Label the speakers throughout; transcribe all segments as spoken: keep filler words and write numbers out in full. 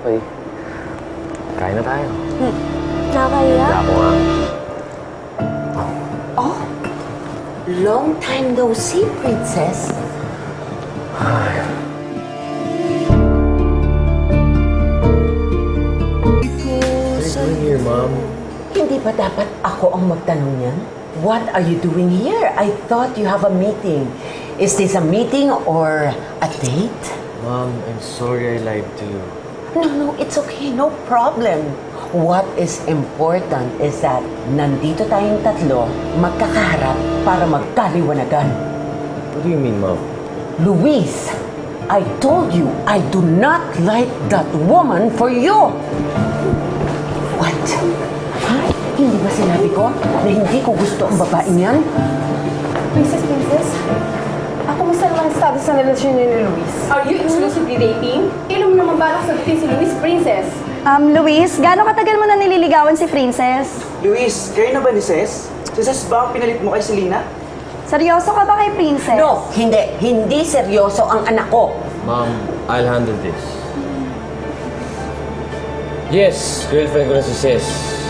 Speaker 1: Okay. Kain na tayo.
Speaker 2: Hmm. Nakakaya?
Speaker 1: Wala ko nga.
Speaker 3: Oh, long time no see, Princess.
Speaker 1: What are you doing here, Mom?
Speaker 3: Hindi ba dapat ako ang magtanong niyan? What are you doing here? I thought you have a meeting. Is this a meeting or a date?
Speaker 1: Mom, I'm sorry I lied to you.
Speaker 3: No, no, it's okay. No problem. What is important is that nandito tayong tatlo magkakaharap para magkaliwanagan.
Speaker 1: What do you mean, Mom?
Speaker 3: Luis, I told you I do not like that woman for you. What? Ha? Hindi ba sinabi ko na hindi ko gusto ang babaeng yan?
Speaker 2: Princess, Princess? Ako kumusta naman ang status ng relasyon niyo ni Luis? Are you exclusively dating? Kailan mo naman balak sagutin si Luis, Princess?
Speaker 4: Um, Luis, gaano katagal mo na nililigawan si Princess?
Speaker 5: Luis, kayo na ba ni Ces? Si Ces ba ang pinalit mo kay Selena?
Speaker 4: Seryoso ka ba kay Princess?
Speaker 3: No, hindi. Hindi seryoso ang anak ko.
Speaker 1: Mom, I'll handle this. Yes, girlfriend ko na si Ces.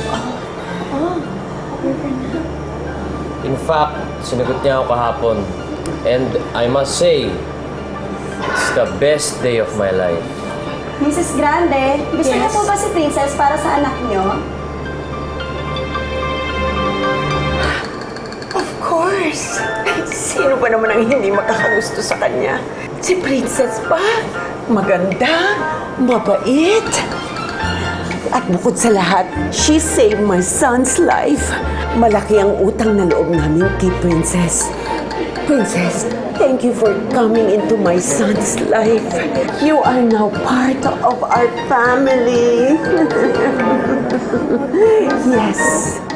Speaker 1: In fact, sinagot niya ako kahapon. And I must say, it's the best day of my life.
Speaker 4: Missus Grande, gusto niyo
Speaker 3: Yes.
Speaker 4: po ba si Princess para sa anak niyo?
Speaker 3: Of course. Sino ba naman ang hindi makakagusto sa kanya? Si Princess pa. Maganda, mabait. At bukod sa lahat, she saved my son's life. Malaki ang utang na loob namin kay Princess. Princess, thank you for coming into my son's life. You are now part of our family. Yes.